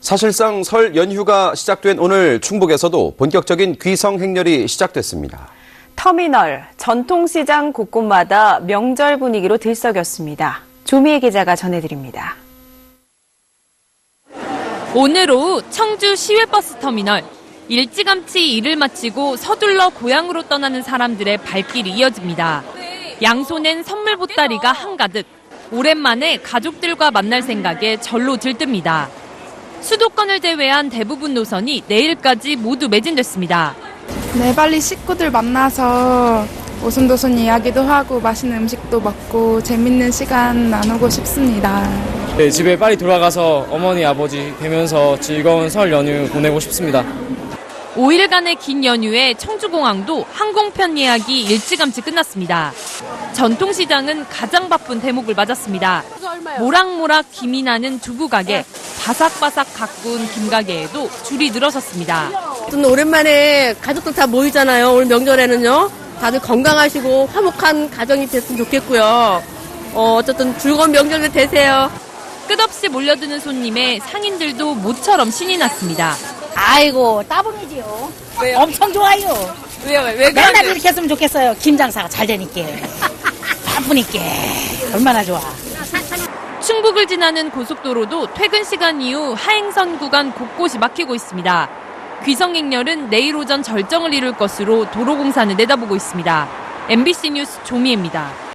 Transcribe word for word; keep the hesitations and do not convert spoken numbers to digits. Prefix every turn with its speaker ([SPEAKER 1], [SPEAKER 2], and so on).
[SPEAKER 1] 사실상 설 연휴가 시작된 오늘 충북에서도 본격적인 귀성 행렬이 시작됐습니다.
[SPEAKER 2] 터미널, 전통시장 곳곳마다 명절 분위기로 들썩였습니다. 조미애 기자가 전해드립니다.
[SPEAKER 3] 오늘 오후 청주 시외버스 터미널. 일찌감치 일을 마치고 서둘러 고향으로 떠나는 사람들의 발길이 이어집니다. 양손엔 선물 보따리가 한가득. 오랜만에 가족들과 만날 생각에 절로 들뜹니다. 수도권을 제외한 대부분 노선이 내일까지 모두 매진됐습니다.
[SPEAKER 4] 네, 빨리 식구들 만나서 오순도순 이야기도 하고 맛있는 음식도 먹고 재밌는 시간 나누고 싶습니다.
[SPEAKER 5] 네, 집에 빨리 돌아가서 어머니, 아버지 뵈면서 즐거운 설 연휴 보내고 싶습니다.
[SPEAKER 3] 오 일간의 긴 연휴에 청주공항도 항공편 예약이 일찌감치 끝났습니다. 전통시장은 가장 바쁜 대목을 맞았습니다. 모락모락 김이 나는 두부 가게, 바삭바삭 가꾼 김가게에도 줄이 늘어섰습니다.
[SPEAKER 6] 오랜만에 가족들 다 모이잖아요. 오늘 명절에는요. 다들 건강하시고 화목한 가정이 됐으면 좋겠고요. 어, 어쨌든 즐거운 명절 되세요.
[SPEAKER 3] 끝없이 몰려드는 손님에 상인들도 모처럼 신이 났습니다.
[SPEAKER 7] 아이고, 따봉이지요.
[SPEAKER 3] 왜요?
[SPEAKER 7] 엄청 좋아요.
[SPEAKER 3] 왜요? 왜
[SPEAKER 7] 맨날
[SPEAKER 3] 그러세요?
[SPEAKER 7] 이렇게 했으면 좋겠어요. 김 장사가 잘 되니까. 바쁘니까. 얼마나 좋아.
[SPEAKER 3] 충북을 지나는 고속도로도 퇴근 시간 이후 하행선 구간 곳곳이 막히고 있습니다. 귀성행렬은 내일 오전 절정을 이룰 것으로 도로공사는 내다보고 있습니다. 엠비씨 뉴스 조미애입니다.